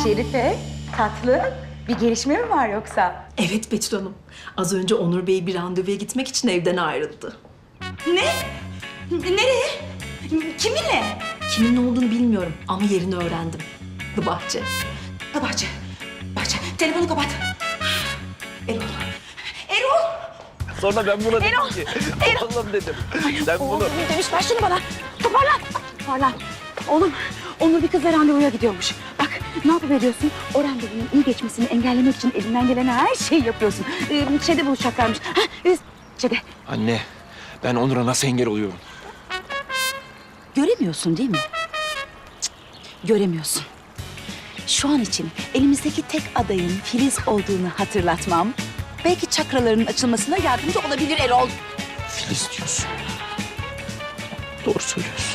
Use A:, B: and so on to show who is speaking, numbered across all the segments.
A: Şerife, tatlı bir gelişme mi var yoksa?
B: Evet Betül Hanım. Az önce Onur Bey bir randevuya gitmek için evden ayrıldı.
A: Ne? Nereye? Kiminle?
B: Kimin olduğunu bilmiyorum ama yerini öğrendim. The Bahçe.
A: Bahçe. Bahçe. Telefonu kapat. Erol. Erol.
C: Sonra ben buna
A: Erol,
C: dedim ki,
A: Erol.
C: oğlum dedim. Sen bunu...
A: Oğlum demiş, ver şunu bana. Toparlan. Toparlan. Oğlum, Onur bir kızla randevuya gidiyormuş. Bak, ne yapıveriyorsun? O randevunun iyi geçmesini engellemek için elinden gelen her şeyi yapıyorsun. Şeyde buluşacaklarmış. Şeyde.
C: Anne, ben Onur'a nasıl engel oluyorum?
A: Göremiyorsun değil mi? Cık, göremiyorsun. Şu an için elimizdeki tek adayın Filiz olduğunu hatırlatmam... belki çakralarının açılmasına yardımcı olabilir Erol.
C: Filiz diyorsun. Doğru söylüyorsun.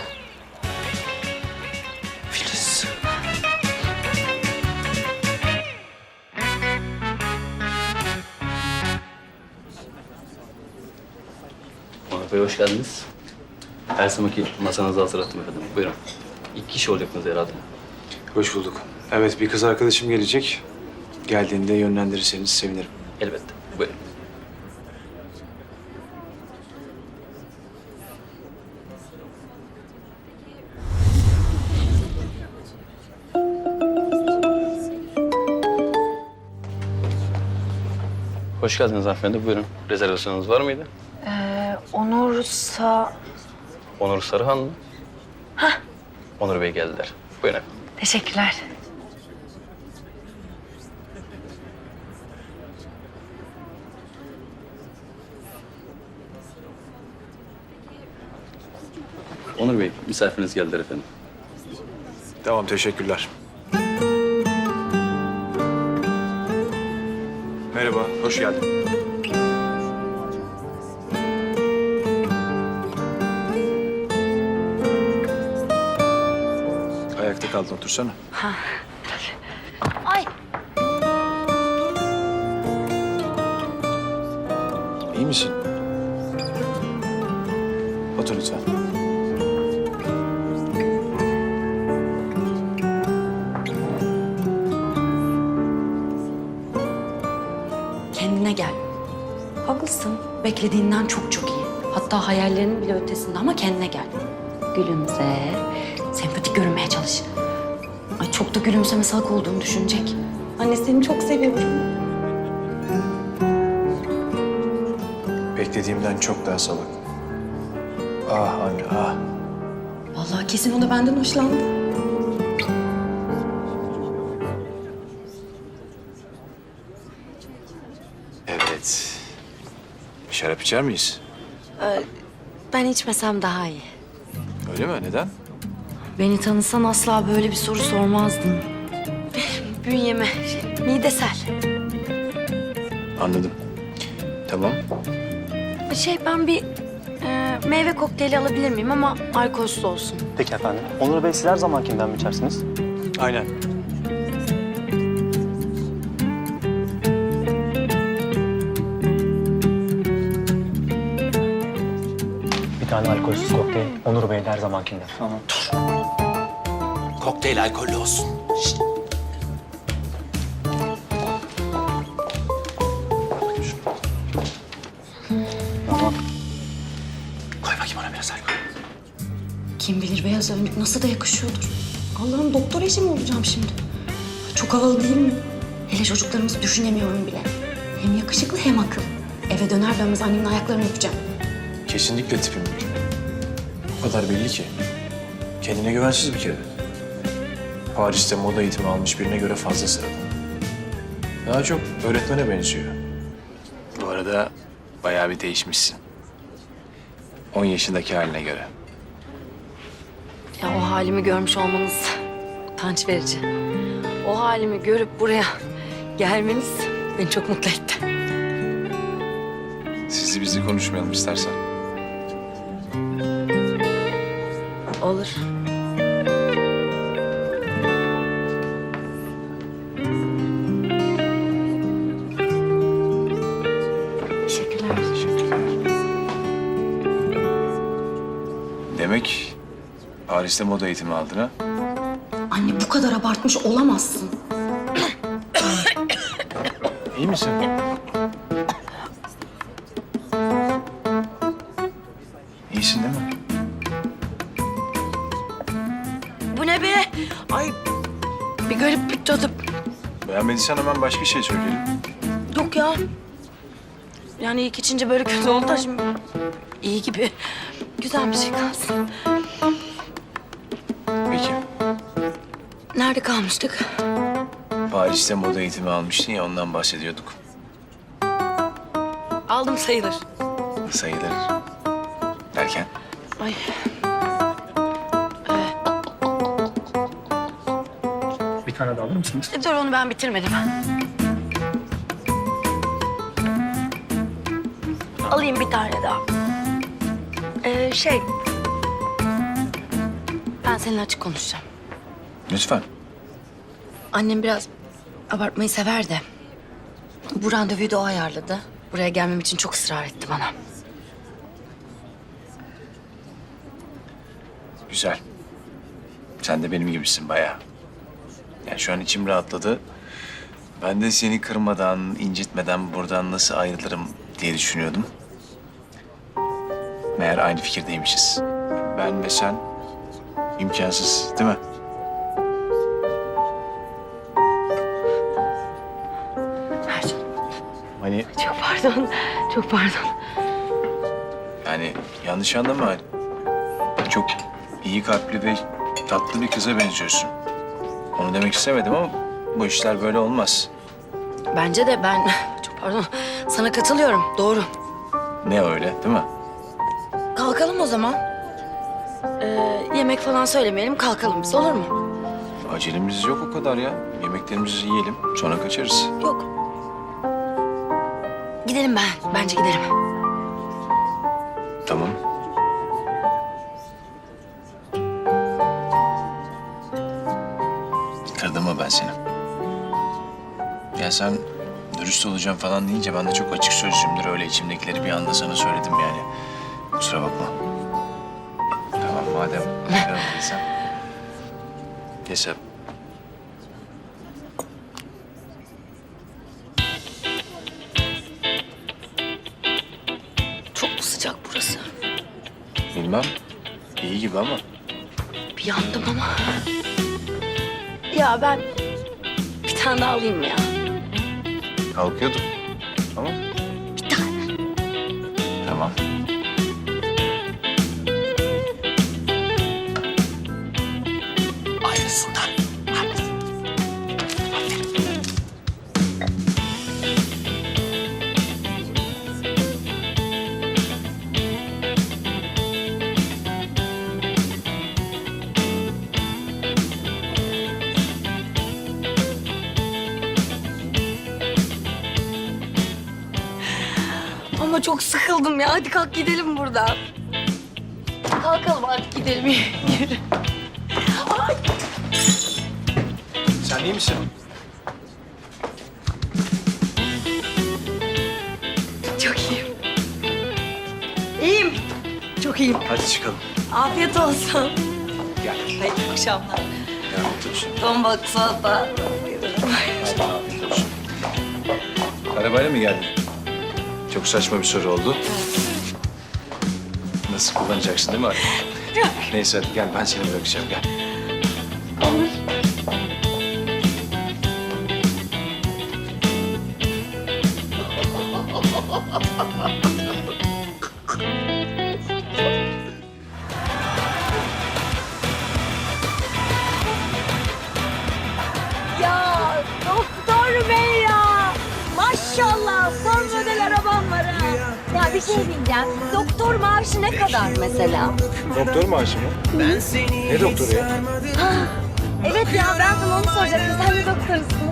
C: Filiz.
D: Onur Bey hoş geldiniz. Her zamanki masanızı hazırlattım efendim. Buyurun. 2 kişi olacaksınız herhalde.
E: Hoş bulduk. Evet, bir kız arkadaşım gelecek. Geldiğinde yönlendirirseniz sevinirim.
D: Elbette. Buyurun. Hoş geldiniz hanımefendi. Buyurun. Rezervasyonunuz var mıydı?
F: Onursa...
D: Onur Sarıhan mı? Hah. Onur Bey geldiler. Buyurun efendim.
F: Teşekkürler.
D: Onur Bey, misafiriniz geldiler efendim.
E: Tamam, teşekkürler. Merhaba, hoş geldin. Ayakta kaldın, otursana.
F: Ay.
E: İyi misin? Otur lütfen.
G: Kendine gel. Haklısın. Beklediğinden çok çok iyi. Hatta hayallerinin bile ötesinde ama kendine gel. Gülümse. Sempatik görünmeye çalış. Ay çok da gülümseme salak olduğunu düşünecek. Anne seni çok seviyorum.
E: Beklediğimden çok daha salak. Ah anne, ah.
G: Vallahi kesin o da benden hoşlandı.
E: Evet. Şarap içer miyiz?
G: Ben içmesem daha iyi.
E: Öyle mi? Neden?
G: Beni tanısan asla böyle bir soru sormazdın. Bünyeme, midesel.
E: Anladım. Tamam.
G: Ben bir meyve kokteyli alabilir miyim ama alkolsüz olsun.
H: Peki efendim. Onur Bey siz her zamankinden mi içersiniz?
E: Aynen.
H: Bir tane alkolsüz kokteyl. Onur Bey de her zamankinden. Tamam.
C: Kokteyl alkollü olsun. Şişt.
H: Tamam.
C: Koy bakayım ona biraz alkol.
G: Kim bilir beyaz önlük nasıl da yakışıyordur. Allah'ım doktor eşi mi olacağım şimdi? Çok havalı değil mi? Hele çocuklarımızı düşünemiyorum bile. Hem yakışıklı hem akıllı. Eve döner dönmez annemin ayaklarını öpeceğim.
E: Kesinlikle tipim değil. O kadar belli ki. Kendine güvensiz bir kere. Paris'te moda eğitimi almış birine göre fazla sıradan. Daha çok öğretmene benziyor. Bu arada bayağı bir değişmişsin. 10 yaşındaki haline göre.
G: Ya o halimi görmüş olmanız utanç verici. O halimi görüp buraya gelmeniz beni çok mutlu etti.
E: Sizi bizi konuşmayalım istersen.
G: Olur. Teşekkürler.
E: Demek Paris'te moda eğitimi aldın ha?
G: Anne bu kadar abartmış olamazsın.
E: İyi misin? İyisin değil mi?
G: Bu ne be? Ay bir garip bir tadı.
E: Beğenmediysen hemen başka şey söyleyelim.
G: Yok ya. Yani ilk içince böyle kötü oldu da şimdi iyi gibi. Güzel bir şey kalsın.
E: Peki.
G: Nerede kalmıştık?
E: Paris'te moda eğitimi almıştın ya, ondan bahsediyorduk.
G: Aldım sayılır.
E: Sayılır. Derken?
G: Ay.
H: Bir tane daha alır mısınız?
G: Dur onu ben bitirmedim. Alayım bir tane daha. Ben seninle açık konuşacağım.
E: Lütfen.
G: Annem biraz abartmayı sever de. Bu randevuyu da o ayarladı. Buraya gelmem için çok ısrar etti bana.
E: Güzel. Sen de benim gibisin bayağı. Yani şu an içim rahatladı. Ben de seni kırmadan, incitmeden buradan nasıl ayrılırım diye düşünüyordum. Meğer aynı fikirdeymişiz. Ben ve sen imkansız, değil mi?
G: Ercan,
E: Hani
G: çok pardon. Çok pardon.
E: yani yanlış anlama. Çok iyi kalpli ve tatlı bir kıza benziyorsun. Onu demek istemedim ama bu işler böyle olmaz.
G: Bence de ben çok pardon. Sana katılıyorum. Doğru.
E: Ne öyle, değil mi?
G: Kalkalım o zaman. Yemek falan söylemeyelim. Kalkalım biz, olur mu?
E: Acelemiz yok o kadar ya. Yemeklerimizi yiyelim, sonra kaçarız.
G: Yok. Gidelim ben. Bence gidelim.
E: Tamam. Kırdım mı ben seni? Ya sen dürüst olacağım falan deyince ben de çok açık sözlüyümdür. Öyle içimdekileri bir anda sana söyledim yani. Kusura bakma. Tamam madem kırmadıysan. Neyse.
G: Çok mu sıcak burası?
E: Bilmem. İyi gibi ama.
G: Bir yandım ama. Ya ben bir tane daha alayım mı ya?
E: Kalkıyordum. Tamam.
G: Bir tane.
E: Tamam.
C: Ayrılsınlar.
G: Ama çok sıkıldım ya. Hadi kalk gidelim buradan. Kalkalım artık gidelim. Yürü.
E: Sen iyi misin?
G: Çok iyiyim. İyiyim. Çok iyiyim.
E: Hadi çıkalım.
G: Afiyet olsun.
E: Gel.
G: Hayırlı akşamlar.
E: Gel otursun.
G: Ton balık salata.
E: Hadi afiyet olsun. Arabayla mı geldin? Çok saçma bir soru oldu. Nasıl kullanacaksın değil mi arabayı? Neyse hadi gel ben seni bırakacağım gel.
F: Ya doktor bey ya. Maşallah son model arabam var ha. Ya bir şey diyeceğim. Doktor maaşı ne kadar mesela?
E: Doktor maaşı mı? Ne doktoru ya?
F: Evet ya ben sana onu soracaktım. Sen de doktorsun.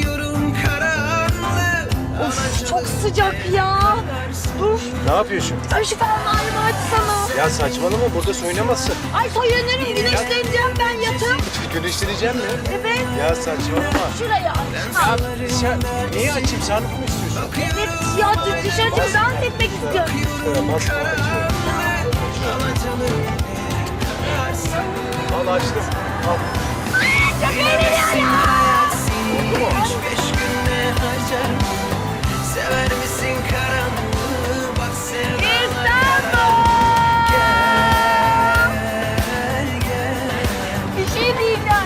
F: Of çok sıcak ya. Dur.
E: Ne yapıyorsun?
F: Ay şu fermuarımı açsana.
E: Ya saçmalama burada soyunamazsın.
F: Ay soyunurum güneşleneceğim ben yatıp.
E: Güneşleneceğim mi?
F: Evet
E: Ya saçmalama.
F: şuraya.
E: Ya sen neyi açayım? Sarnıf mı istiyorsun?
F: Evet ya dışarı çıkıp dans etmek istiyorum.
E: Basma açıyorum. Al açtım. Al.
F: Çok eğleniyorum.
E: Oldu mu?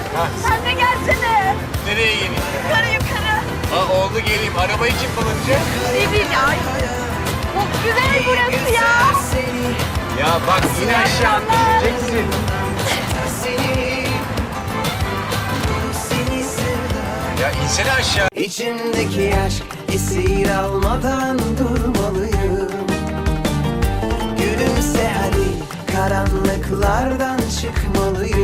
F: Sen de gelsene.
E: Nereye geleyim?
F: Yukarı.
E: Ha oldu geleyim. Arabayı kim kullanacak?
F: Ne bileyim ya. Çok güzel burası ya.
E: Ya bak yine aşağı düşeceksin. Ya insene aşağı.
I: İçimdeki aşk esir almadan durmalıyım. Gülümse hadi karanlıklardan çıkmalıyım.